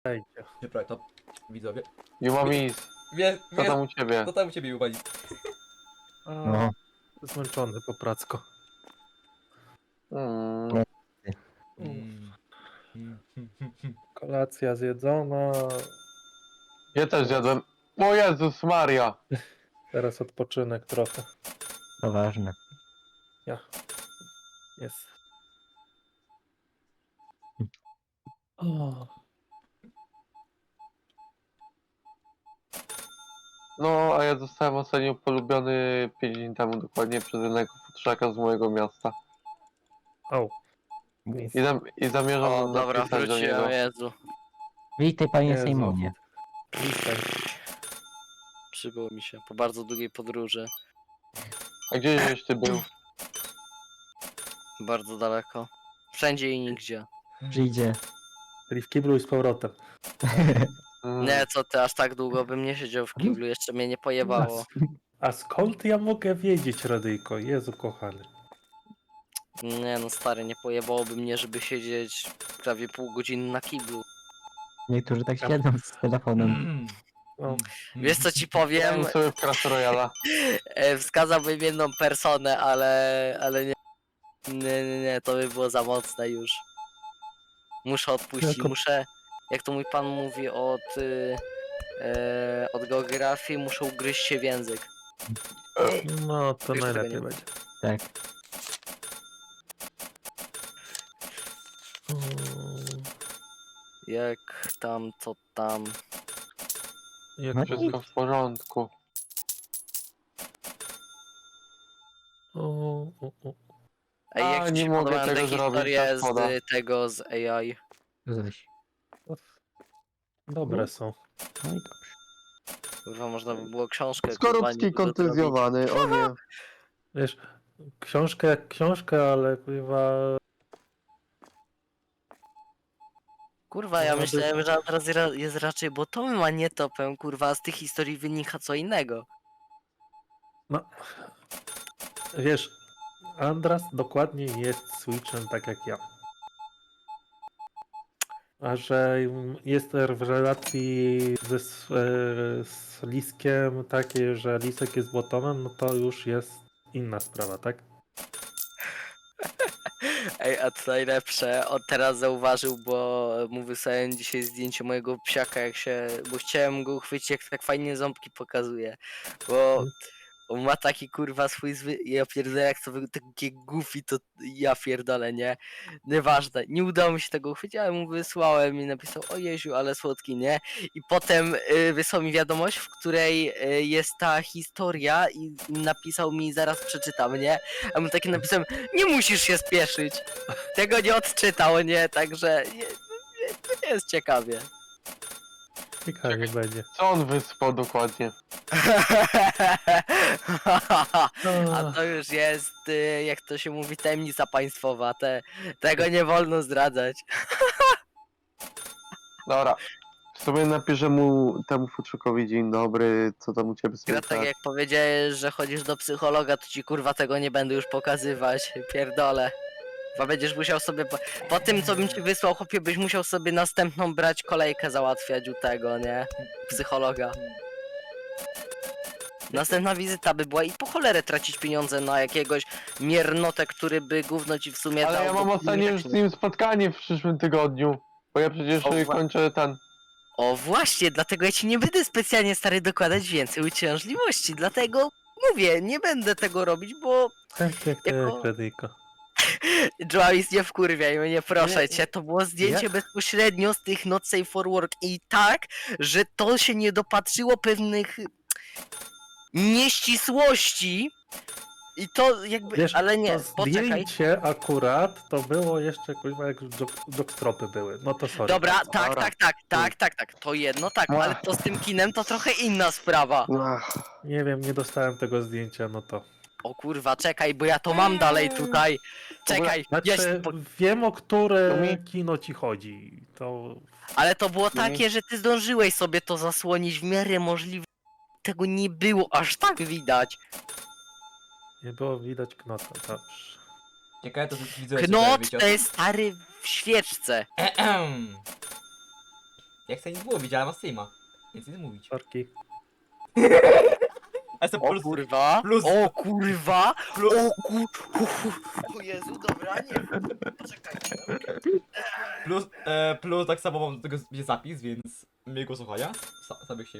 Ejcie. Prawie to widzowie. Jumamis, co tam u ciebie? Co tam u ciebie, Jubani? A, zmęczony po pracko. Mm. Kolacja zjedzona. Ja też zjadłem. O Jezus Maria! Teraz odpoczynek trochę. To ważne. Jest. O, No, a ja zostałem ostatnio polubiony 5 dni temu dokładnie przez jednego futrzaka z mojego miasta. au. I zamierzam O, dobra, napisać do niego. wróciłem, Jezu. Witaj panie Jezu. Sejmonie. Witaj. Przybyło mi się po bardzo długiej podróży. A gdzieś ty był? Bardzo daleko. Wszędzie i nigdzie. Przyjdzie. Czyli w kiblu i z powrotem. Nie, co ty, aż tak długo bym nie siedział w kiblu, jeszcze mnie nie pojebało. A skąd ja mogę wiedzieć, Radyjko? Jezu kochany. Nie no stary, nie pojebałoby mnie, żeby siedzieć prawie pół godziny na kiblu. Niektórzy tak siedzą z telefonem. No, Wiesz co ci Wiem powiem? sobie w Clash Royala. Wskazałbym jedną personę, ale nie. Nie, to by było za mocne już. Muszę odpuścić, Jako- muszę, jak to mój pan mówi od geografii, muszę ugryźć się w język. no to Już tego najlepiej nie- będzie. Tak. Jak tam, co tam. Jak No Wszystko w porządku. o. Ej, A, jak ci nie się mogę podobają te tego zrobić, historie tak szkoda. z tego, z AI? Zaś. Dobre są. No i dobrze. Kurwa, można by było książkę kurwa, Skorupski niby zrobić. kontuzjowany, o nie. Wiesz, książkę jak książkę, ale chyba... Kurwa, ja No, myślałem, że teraz jest raczej botomem, a nie topem, kurwa, a z tych historii wynika co innego. No, wiesz, Andras dokładnie jest Switchem tak jak ja. A że jest w relacji z Liskiem takiej, że Lisek jest bottomem, no to już jest inna sprawa, tak? Ej, a co najlepsze, on teraz zauważył, bo mu wysłałem dzisiaj zdjęcie mojego psiaka, bo chciałem go uchwycić, jak tak fajnie ząbki pokazuje, bo on ma taki kurwa swój ja pierdolę, jak to takie goofy, to ja pierdolę, nie? Nieważne, nie udało mi się tego uchwycić, ale mu wysłałem i napisał, o Jeziu, ale słodki, nie? I potem wysłał mi wiadomość, w której jest ta historia i napisał mi, zaraz przeczytam, nie? A mu taki napisałem, nie musisz się spieszyć. Tego nie odczytał, nie? Także to jest ciekawie. Ciekawie będzie. Co on wysłał dokładnie? A to już jest, jak to się mówi, tajemnica państwowa. Tego nie wolno zdradzać. Dobra. W sumie napiszę mu temu futrzakowi dzień dobry, co tam u ciebie Ja tak słychać. jak powiedziałeś, że chodzisz do psychologa, to ci kurwa tego nie będę już pokazywać. Pierdolę. Bo będziesz musiał sobie, po tym co bym ci wysłał, chłopie, byś musiał sobie następną brać kolejkę załatwiać u tego, nie? Psychologa. Następna wizyta by była i po cholerę tracić pieniądze na jakiegoś miernotę, który by gówno ci w sumie Ale dał. ja mam bo- ostatnio już z nim spotkanie w przyszłym tygodniu. Bo ja przecież O, kończę ten. O właśnie, dlatego ja ci nie będę specjalnie stary dokładać więcej uciążliwości, dlatego mówię, nie będę tego robić, bo Tak jak Jako- Radyjko. Joalis, nie wkurwiaj mnie, proszę Nie, cię, to było zdjęcie ja- bezpośrednio z tych Not Safe for Work i tak, że to się nie dopatrzyło pewnych nieścisłości i to jakby, Wiesz, ale nie, to poczekaj. zdjęcie akurat to było jeszcze kurwa jak jockstropy były. No to sorry. Dobra, bardzo. tak, to jedno tak, ale to z tym kinem to trochę inna sprawa. Ach, Nie wiem, nie dostałem tego zdjęcia, no to... O kurwa, czekaj, bo ja to mam dalej tutaj. Czekaj, Znaczy, wiem o które To mi- kino ci chodzi. To... ale to było No takie, że ty zdążyłeś sobie to zasłonić w miarę możliwe. Tego nie było aż tak widać. Nie było widać knota, dobrze. Ciekawe to widzowie Knot wiecie o to tym. jest stary w świeczce. Ja chcę nic mówić, ale ma streama. Więc nic mówić. Sorki. A jestem O kurwa! plus- O kurwa! plus- O O Jezu, dobra, nie. Poczekajcie. plus tak samo mam do tego zapis, więc miłego słuchania. Sobie się